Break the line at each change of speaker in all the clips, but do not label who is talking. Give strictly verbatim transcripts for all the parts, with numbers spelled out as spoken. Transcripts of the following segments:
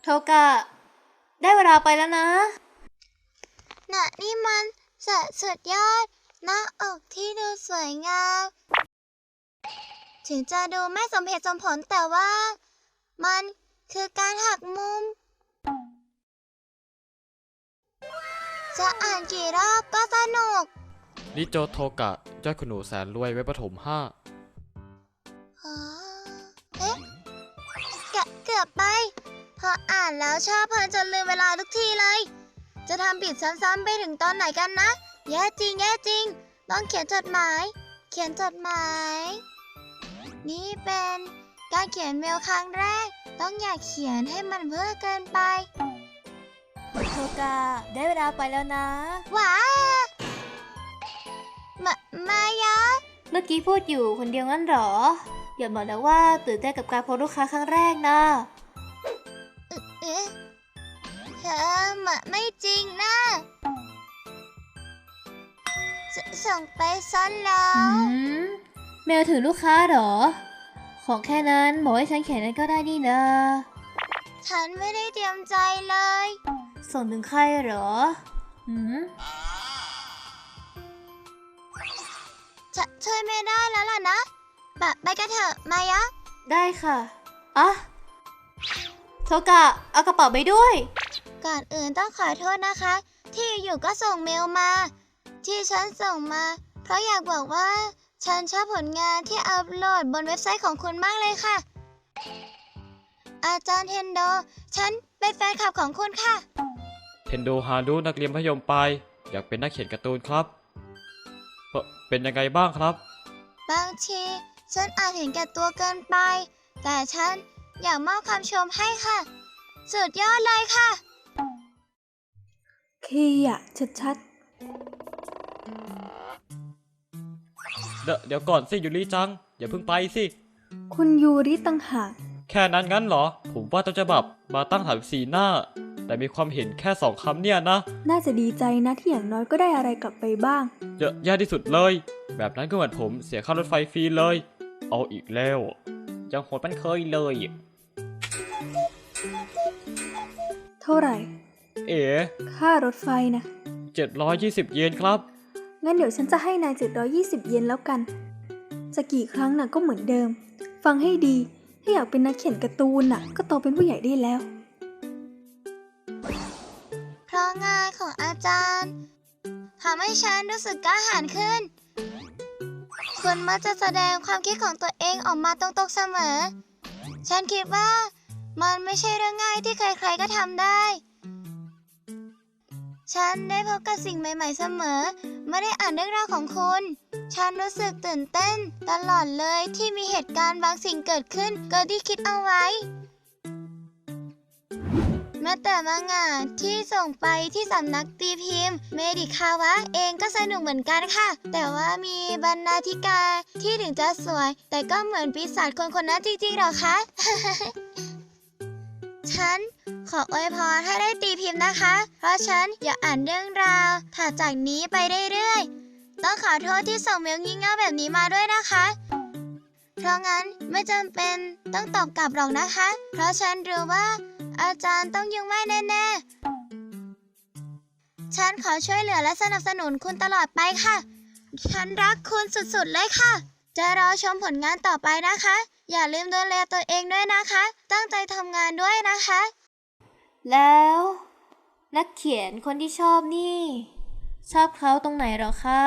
โทกะได้เวลาไปแล้วนะ
น่ะนี่มันสะสุดยอดหน้าอกที่ดูสวยงามถึงจะดูไม่สมเหตุสมผลแต่ว่ามันคือการหักมุมจะอ่านกี่รอบก็สนุก
นิโจโทกะยอดคุณหนูแสนรวยไว้ประถมห้า
อ๋อเอ๊ะเกเกือบไปพออ่านแล้วชอบเพลินจนลืมเวลาทุกทีเลยจะทำผิดซ้ำๆไปถึงตอนไหนกันนะแย่จริงแย่จริงต้องเขียนจดหมายเขียนจดหมายนี่เป็นการเขียนเมลครั้งแรกต้องอย่าเขียนให้มันเพ้อเกินไป
โทกะได้เวลาไปแล้วนะ
ว้ามามา
ยะเมื่อกี้พูดอยู่คนเดียวงั้นหรออย่าบอกนะว่าตื่นเต้นกับการพบลูกค้าครั้งแรกนะ
เอ๊ะเธอมาไม่จริงนะส่งไปซ้อนแล้ว
เมลถึงลูกค้าหรอของแค่นั้นบอกให้ฉันเขียนนั้นก็ได้นี่นะ
ฉันไม่ได้เตรียมใจเลย
ส่งถึงใครหรอหืม
จะช่วยไม่ได้แล้วล่ะนะบะไปกันเถอะมายะ
ได้ค่ะอ่ะโทกะเอากระเป๋าไปด้วย
ก่อนอื่นต้องขอโทษนะคะที่อยู่ก็ส่งเมลมาที่ฉันส่งมาเพราะอยากบอกว่าฉันชอบผลงานที่อัพโหลดบนเว็บไซต์ของคุณมากเลยค่ะอาจารย์เทนโดฉันเป็นแฟนคลับของคุณค่ะ
เทนโดฮารุนักเรียนมัธยมปลายอยากเป็นนักเขียนการ์ตูนครับเป็นยังไงบ้างครับ
บางทีฉันอาจเห็นแก่ตัวเกินไปแต่ฉันอยากมอบคำชมให้ค่ะสุดยอดเลยค่ะ
ขี้อ่ะชัด
เดี๋ยวเดี๋ยวก่อนสิยูริจังอย่าเพิ่งไปสิ
คุณยูริตั้งหาก
แค่นั้นงั้นเหรอผมว่าต้นฉบับมาตั้งถามสีหน้าแต่มีความเห็นแค่สองคำเนี่ยนะ
น่าจะดีใจนะที่อย่างน้อยก็ได้อะไรกลับไปบ้าง
เยอะแย่ที่สุดเลยแบบนั้นก็เหมือนผมเสียค่ารถไฟฟรีเลยเอาอีกแล้วยังโหดมันเคยเลย
เท่าไหร่
เอ๋
ค่ารถไฟนะ
เจ็ดร้อยยี่สิบเยนครับ
งั้นเดี๋ยวฉันจะให้นายเจ็ดร้อยยี่สิบเยนแล้วกันจะกี่ครั้งน่ะก็เหมือนเดิมฟังให้ดีถ้าอยากเป็นนักเขียนการ์ตูนน่ะก็โตเป็นผู้ใหญ่ได้แล้ว
เพราะงานของอาจารย์ทำให้ฉันรู้สึกกล้าหาญขึ้นคุณมักจะแสดงความคิดของตัวเองออกมาตรงๆเสมอฉันคิดว่ามันไม่ใช่เรื่องง่ายที่ใครๆก็ทำได้ฉันได้พบกับสิ่งใหม่ๆเสมอไม่ได้อ่านเรื่องราวของคุณฉันรู้สึกตื่นเต้นตลอดเลยที่มีเหตุการณ์บางสิ่งเกิดขึ้นเกินที่คิดเอาไว้แม้แต่มังงะที่ส่งไปที่สำนักตีพิมพ์เมดิคาวะเองก็สนุกเหมือนกันค่ะแต่ว่ามีบรรณาธิการที่ถึงจะสวยแต่ก็เหมือนปีศาจคนคนนั้นจริงๆหรอคะ ฉันขออวยพรให้ได้ตีพิมพ์นะคะเพราะฉันอยากอ่านเรื่องราวถัดจากนี้ไปเรื่อยๆต้องขอโทษที่ส่งเมลงี่เง่าแบบนี้มาด้วยนะคะเพราะงั้นไม่จำเป็นต้องตอบกลับหรอกนะคะเพราะฉันรู้ว่าอาจารย์ต้องยุ่งมากแน่ๆฉันขอช่วยเหลือและสนับสนุนคุณตลอดไปค่ะฉันรักคุณสุดๆเลยค่ะจะรอชมผลงานต่อไปนะคะอย่าลืมดูแลตัวเองด้วยนะคะตั้งใจทำงานด้วยนะคะ
แล้วนักเขียนคนที่ชอบนี่ชอบเขาตรงไหนหรอคะ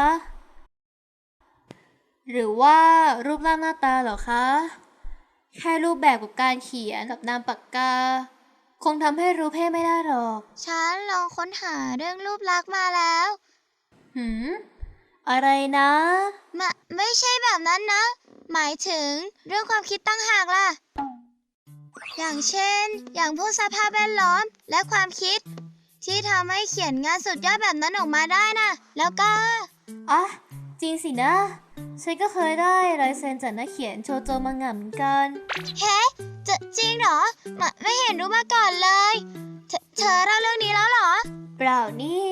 หรือว่ารูปร่างหน้าตาหรอคะแค่รูปแบบกับการเขียนกับนามปากกาคงทำให้รู้เพศไม่ได้หรอก
ฉันลองค้นหาเรื่องรูปลักษณ์มาแล้ว
หืมอะไรนะ
มะไม่ใช่แบบนั้นนะหมายถึงเรื่องความคิดตั้งหากล่ะอย่างเช่นอย่างพวกสภาพแวดล้อมและความคิดที่ทำให้เขียนงานสุดยอดแบบนั้นออกมาได้นะแล้วก็
อ่ะจริงสินะฉันก็เคยได้ลายเซ็นจากนักเขียนโชโจมังงะเหมือนกัน
เฮ้จะจริงเหรอมะไม่เห็นรู้มาก่อนเลยเธอเธอเล่าเรื่องนี้แล้วเหรอ
เปล่านี่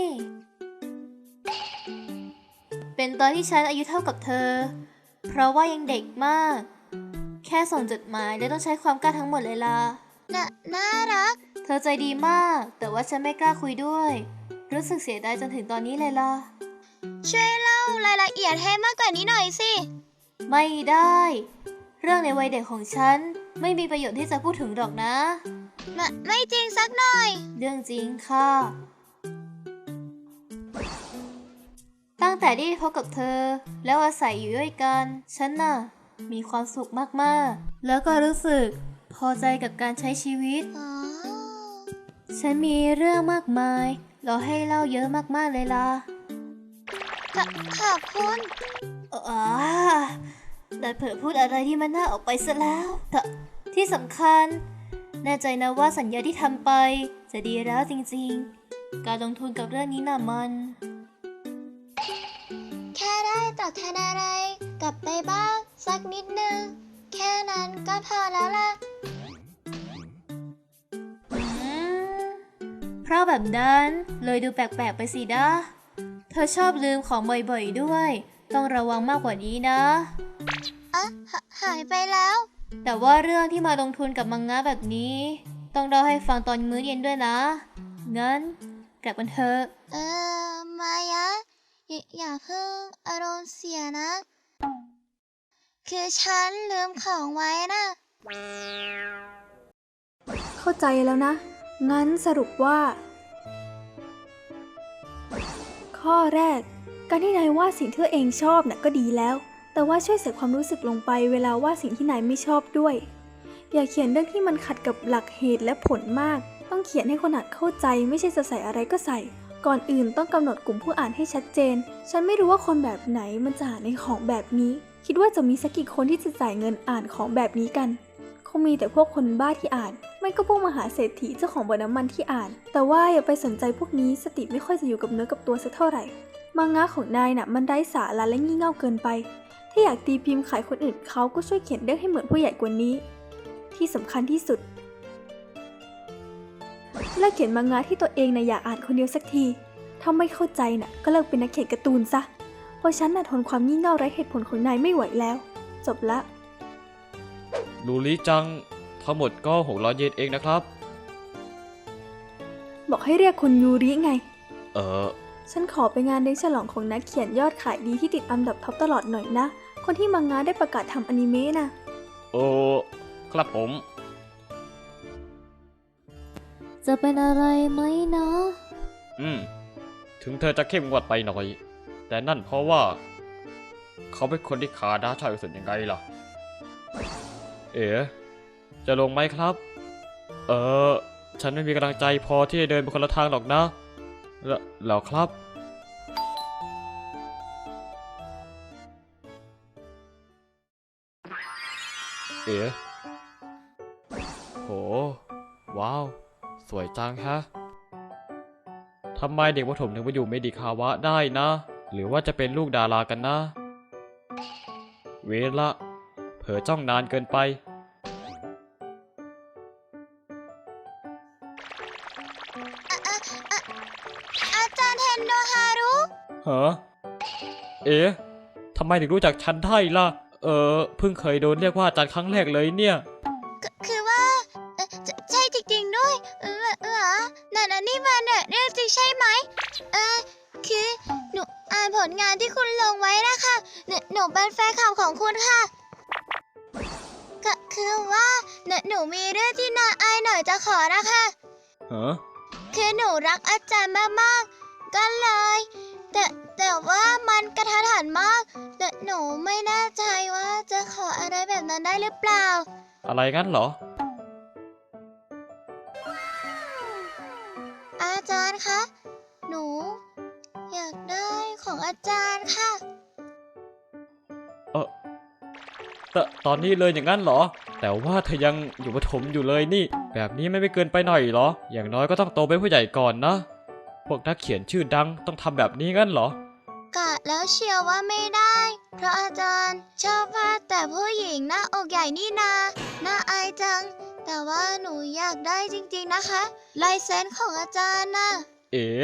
เป็นตอนที่ฉันอายุเท่ากับเธอเพราะว่ายังเด็กมากแค่ส่งจดหมายและต้องใช้ความกล้าทั้งหมดเลยล่ะ
น่าน่ารัก
เธอใจดีมาก แต่ว่าฉันไม่กล้าคุยด้วย รู้สึกเสียดายจนถึงตอนนี้เลยล่ะ
ช่วยเล่ารายละเอียดให้มากกว่านี้หน่อยสิ
ไม่ได้ เรื่องในวัยเด็กของฉันไม่มีประโยชน์ที่จะพูดถึงหรอกนะ
ไม่ไม่จริงสักหน่อย
เรื่องจริงค่ะ ตั้งแต่ได้พบกับเธอแล้วอาศัยอยู่ด้วยกัน ฉันน่ะมีความสุขมากๆ แล้วก็รู้สึกพอใจกับการใช้ชีวิต
อ๋อ
ฉันมีเรื่องมากมายรอให้เล่าเยอะมากๆเลยล่ะ
ขอขอบคุณ
อ๋อดันเผลอพูดอะไรที่มันน่าออกไปซะแล้วแต่ที่สำคัญ แน่ใจนะว่าสัญญาที่ทำไปจะดีแล้วจริงๆ การลงทุนกับเรื่องนี้น่ะมัน
แค่ได้ตอบแทนอะไรกลับไปบ้างสักนิดนึง แค่นั้นก็พอแล้วล่ะ
อืมเพราะแบบนั้นเลยดูแปลกๆไปสินะ เธอชอบลืมของบ่อยๆด้วย ต้องระวังมากกว่านี้นะ
อะหหายไปแล้ว
แต่ว่าเรื่องที่มาลงทุนกับมังงะแบบนี้ ต้องเล่าให้ฟังตอนมื้อเย็นด้วยนะ งั้นกลับกันเถอะ
เออ มายะอย่าอย่าเพิ่งอารมณ์เสียนะ คือฉันลืมของไว้นะ
เข้าใจแล้วนะ งั้นสรุปว่า ข้อแรก การที่นายวาดสิ่งที่ตัวเองชอบน่ะก็ดีแล้ว แต่ว่าช่วยเสียความรู้สึกลงไปเวลาวาดสิ่งที่นายไม่ชอบด้วย อย่าเขียนเรื่องที่มันขัดกับหลักเหตุและผลมาก ต้องเขียนให้คนอ่านเข้าใจไม่ใช่จะใส่อะไรก็ใส่ ก่อนอื่นต้องกำหนดกลุ่มผู้อ่านให้ชัดเจน ฉันไม่รู้ว่าคนแบบไหนมันจะอ่านในของแบบนี้ คิดว่าจะมีสักกี่คนที่จะจ่ายเงินอ่านของแบบนี้กัน คงมีแต่พวกคนบ้าที่อ่าน ไม่ก็พวกมหาเศรษฐีเจ้าของบ่อน้ำมันที่อ่าน แต่ว่าอย่าไปสนใจพวกนี้สติไม่ค่อยจะอยู่กับเนื้อกับตัวสักเท่าไหร่ มังงะของนายน่ะมันไร้สาระและงี่เง่าเกินไป ถ้าอยากตีพิมพ์ขายคนอื่นเขาก็ช่วยเขียนเรื่องให้เหมือนผู้ใหญ่กว่านี้ ที่สำคัญที่สุดเลิกเขียนมังงะที่ตัวเองน่ะอยากอ่านคนเดียวสักที ถ้าไม่เข้าใจน่ะก็เลิกเป็นนักเขียนการ์ตูนซะ เพราะฉันน่ะทนความงี่เง่าไร้เหตุผลของนายไม่ไหวแล้ว จบละ
ลูลิจัง ทั้งหมดก็หกร้อยเยนเองนะครับ
บอกให้เรียกคุณยูริไง
เออ
ฉันขอไปงานเลี้ยงฉลองของนักเขียนยอดขายดีที่ติดอันดับท็อปตลอดหน่อยนะ คนที่มังงะได้ประกาศทำอนิเมะนะ
โอ้ครับผม
จะเป็นอะไรไหมนะ
อืม ถึงเธอจะเข้มงวดไปหน่อย แต่นั่นเพราะว่า เขาเป็นคนที่ขาด้าชายสุดยังไงล่ะ เอ๋จะลงไหมครับ เออ ฉันไม่มีกำลังใจพอที่จะเดินไปคนละทางหรอกนะแล้วแล้วครับ เอ๋โห ว้าว สวยจังฮะ ทำไมเด็กประถมถึงไปอยู่เมดิคาวะได้นะ หรือว่าจะเป็นลูกดารากันนะ เวละ เผลอจ้องนานเกินไป
อาจารย์เทนโดฮารุ
ฮะ เอ๊ะ ทำไมถึงรู้จักฉันได้ล่ะ เออ เพิ่งเคยโดนเรียกว่าอาจารย์ครั้งแรกเลยเนี่ย
คคือว่าเอ่อใช่ใช่จริงๆด้วย เออเออนั่นอันนี่มันเนี่ยเรื่องจริงใช่ไหม เออคือหนูอ่านผลงานที่คุณลงไว้นะคะหนูหนูเป็นแฟนคลับของคุณค่ะก็คือว่าหนูหนูมีเรื่องที่น่าอายหน่อยจะขอนะคะ
ฮะ
คือหนูรักอาจารย์มากๆ ก็เลย แต่แต่ว่ามันกระทันหันมากแต่หนูไม่แน่ใจว่าจะขออะไรแบบนั้นได้หรือเปล่า
อะไรงั้นเหรอ
อาจารย์คะ หนู อยากได้ของอาจารย์ค่ะ
เออแต่ตอนนี้เลยอย่างนั้นเหรอ แต่ว่าเธอยังอยู่ประถมอยู่เลยนี่ แบบนี้ไม่ไม่เกินไปหน่อยเหรอ อย่างน้อยก็ต้องโตเป็นผู้ใหญ่ก่อนนะ พวกนักเขียนชื่อดังต้องทำแบบนี้งั้นเหรอ
กะแล้วเชียวว่าไม่ได้ เพราะอาจารย์ชอบวาดแต่ผู้หญิงหน้าอกใหญ่นี่นา น่าอายจัง แต่ว่าหนูอยากได้จริงๆนะคะ ลายเซ็นของอาจารย์น่ะ
เอ๋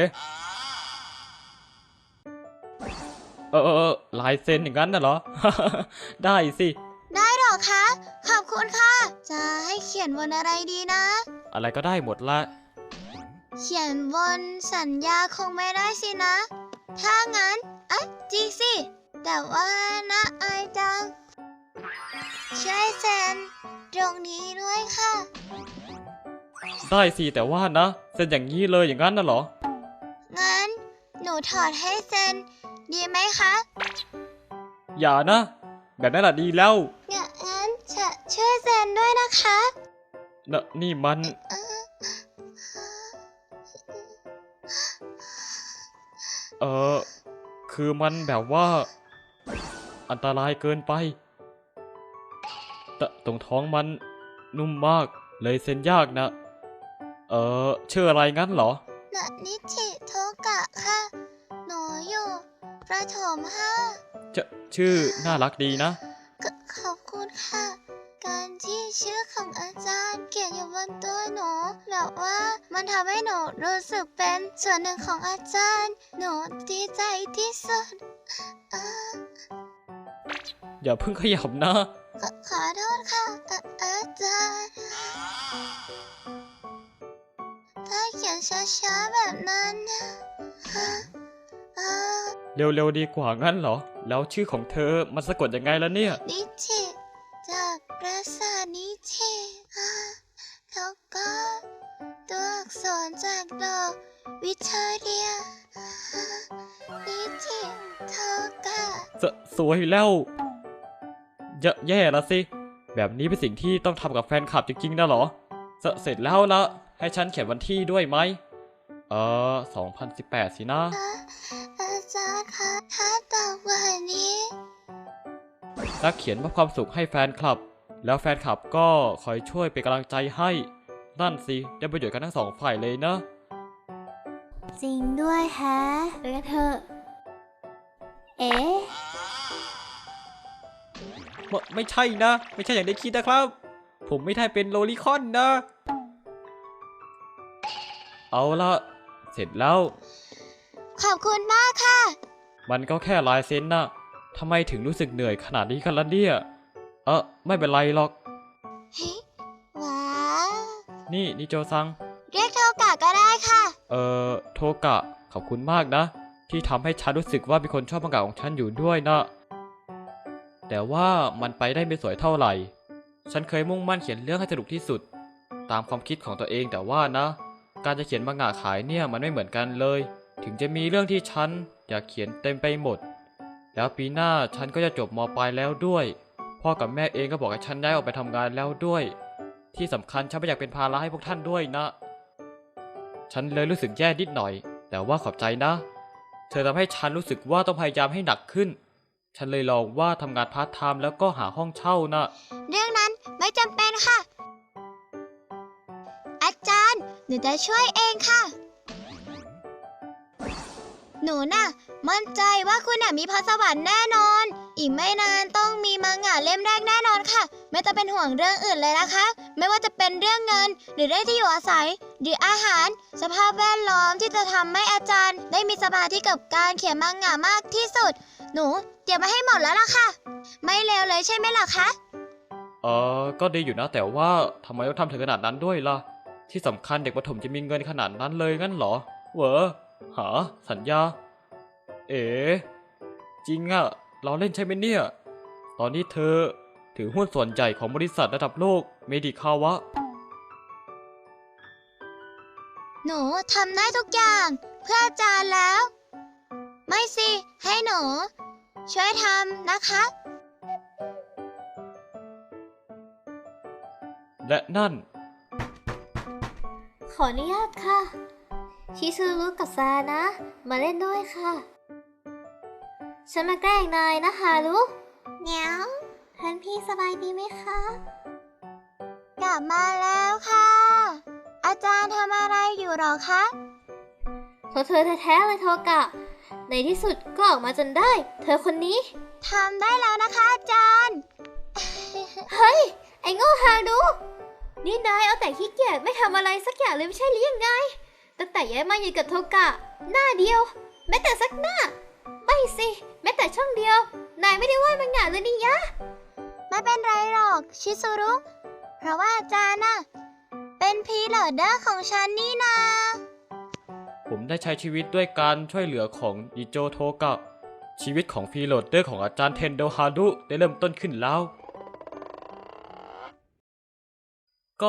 เออเออเออลายเซ็นอย่างนั้นน่ะเหรอ ได้สิ
ได้เหรอรอคะ ขอบคุณค่ะ จะให้เขียนบนอะไรดีนะ
อะไรก็ได้หมดละ
เขียนบนสัญญาคงไม่ได้สินะ ถ้างั้นเอ๊ะจริงสิ แต่ว่านะอายจัง ช่วยเซ็นตรงนี้ด้วยค่ะ
ได้สิแต่ว่านะเซ็นอย่างนี้เลยอย่างนั้นน่ะเหรอ
งั้น หนูถอดให้เซ็น ดีไหมคะ
อย่านะ แบบนั้นแหละดีแล้ว
งั้นจะช่วยเซ็นด้วยนะคะ
นะนี่มัน เออคือมันแบบว่า อันตรายเกินไปแต่ตรงท้องมันนุ่มมากเลยเซ็นยากนะ เออชื่ออะไรงั้นเหรอ
นนิชิโทกะค่ะ หนูอยู่ประถมห้า
จะชื่อน่ารักดีนะ
ขขอบคุณค่ะ การที่ชื่อของอาจารย์เขียนอยู่บนตัวหนูแบบว่ามันทำให้หนูรู้สึกเป็นส่วนหนึ่งของอาจารย์ หนูดีใจที่สุดเอ่อ
อย่าเพิ่งขยับนะ
ขอขอโทษค่ะอ่ะอาจารย์ ถ้าเขียนช้าๆแบบนั้นเอ่อ
เร็วๆดีกว่างั้นเหรอ แล้วชื่อของเธอมันสะกดยังไงล่ะเนี่ย
นิชิจากปราสาทนิชิอ่าแล้วก็ตัวอักษรจากดอกวิเทอเรียอ่านิชิโทกะ
สสวยแล้วเยอะแย่ละสิ แบบนี้เป็นสิ่งที่ต้องทำกับแฟนคลับจริงๆนะเหรอสเสร็จแล้วละให้ฉันเขียนวันที่ด้วยไหม เออสองพันสิบแปดสินะ
อาจารย์คะถ้าตอบวันนี้
นักเขียนมอบความสุขให้แฟนคลับ แล้วแฟนคลับก็คอยช่วยเป็นกำลังใจให้ นั่นสิ ได้ประโยชน์กันทั้งสองฝ่ายเลยนะ
จริงด้วยแฮะไปกันเถอะเอ๊ะ
ไม่ไม่ใช่นะ ไม่ใช่อย่างที่คิดนะครับ ผมไม่ได้เป็นโลลิคอนนะ เอาละเสร็จแล้ว
ขอบคุณมากค่ะ
มันก็แค่ลายเซ็นนะทำไมถึงรู้สึกเหนื่อยขนาดนี้กันล่ะเนี่ย เออไม่เป็นไรหรอก
เฮ้ยว้าว
นี่นิโจซัง
เรียกโทกะก็ได้ค่ะ
เอ่อโทกะขอบคุณมากนะ ที่ทำให้ฉันรู้สึกว่ามีคนชอบมังงะของฉันอยู่ด้วยนะ แต่ว่ามันไปได้ไม่สวยเท่าไหร่ ฉันเคยมุ่งมั่นเขียนเรื่องให้สนุกที่สุด ตามความคิดของตัวเองแต่ว่านะ การจะเขียนมังงะขายเนี่ยมันไม่เหมือนกันเลย ถึงจะมีเรื่องที่ฉันอยากเขียนเต็มไปหมด แล้วปีหน้าฉันก็จะจบม.ปลายแล้วด้วย พ่อกับแม่เองก็บอกให้ฉันย้ายออกไปทำงานแล้วด้วย ที่สำคัญฉันไม่อยากเป็นภาระให้พวกท่านด้วยนะ ฉันเลยรู้สึกแย่นิดหน่อย แต่ว่าขอบใจนะ เธอทำให้ฉันรู้สึกว่าต้องพยายามให้หนักขึ้น ฉันเลยลองว่าทำงานพาร์ทไทม์แล้วก็หาห้องเช่านะ
เรื่องนั้นไม่จำเป็นค่ะ อาจารย์หนูจะช่วยเองค่ะ หนูน่ะ มั่นใจว่าคุณน่ะมีพรสวรรค์แน่นอน อีกไม่นานต้องมีมังงะเล่มแรกแน่นอนค่ะ ไม่ต้องเป็นห่วงเรื่องอื่นเลยนะคะ ไม่ว่าจะเป็นเรื่องเงิน หรือเรื่องที่อยู่อาศัย หรืออาหาร สภาพแวดล้อมที่จะทำให้อาจารย์ ได้มีสมาธิกับการเขียนมังงะมากที่สุด หนูเตรียมมาให้หมดแล้วล่ะค่ะ ไม่เลวเลยใช่ไหมล่ะคะ
เออก็ดีอยู่นะแต่ว่าทำไมต้องทำถึงขนาดนั้นด้วยล่ะ ที่สำคัญเด็กประถมจะมีเงินขนาดนั้นเลยงั้นเหรอเหวอหาสัญญา เอ๋จริงอะเราเล่นใช่ไหมเนี่ย ตอนนี้เธอถือหุ้นส่วนใหญ่ของบริษัทระดับโลกเมดิคาวะ
หนูทำได้ทุกอย่างเพื่ออาจารย์แล้ว ไม่สิ ให้หนู ช่วยทำนะคะ
และนั่น
ขออนุญาตค่ะ ชิซูรุกับซานะ มาเล่นด้วยค่ะ ฉันมาแกล้งนายนะฮารุเหนียวท่านพี่สบายดีไหมคะ
กลับมาแล้วค่ะ อาจารย์ทำอะไรอยู่หรอคะ
เพราะเธอแท้ๆเลยโทกะ ในที่สุดก็ออกมาจนได้ เธอคนนี้
ทำได้แล้วนะคะอาจารย์
เฮ้ย ไอ้โง่ฮารุนี่นายเอาแต่ขี้เกียจไม่ทำอะไรสักอย่างเลยไม่ใช่หรือยังไง ตั้งแต่ย้ายมาอยู่กับโทกะ หน้าเดียว แม้แต่สักหน้า ไม่สิ แม้แต่ช่องเดียว นายไม่ได้วาดมังงะเลยนี่ยะ
ไม่ไม่เป็นไรหรอกชิซุรุ เพราะว่าอาจารย์น่ะเป็นพีโหลดเดอร์ของฉันนี่นา
ผมได้ใช้ชีวิตด้วยการช่วยเหลือของอิโจโทกะชีวิตของฟรีโหลดเดอร์ของอาจารย์เทนโดฮารุได้เริ่มต้นขึ้นแล้ว ก็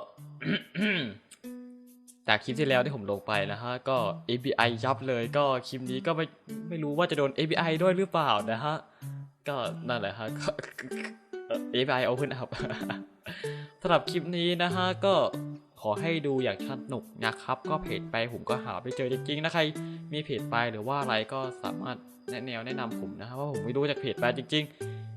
จากคลิปที่แล้วที่ผมลงไปนะฮะก็ เอ บี ไอ ยับเลยก็คลิปนี้ก็ไม่ไม่รู้ว่าจะโดน เอ บี ไอ ด้วยหรือเปล่านะฮะก็นั่นแหละฮะก็ เอ บี ไอ Open Up สำหรับคลิปนี้นะฮะก็ขอให้ดูอย่างสนุกนะครับก็เพจไปผมก็หาไม่เจอจริงๆนะใครมีเพจไปหรือว่าอะไรก็สามารถแนะแนวแนะนำผมนะฮะว่าผมไม่รู้จากเพจไปจริงๆ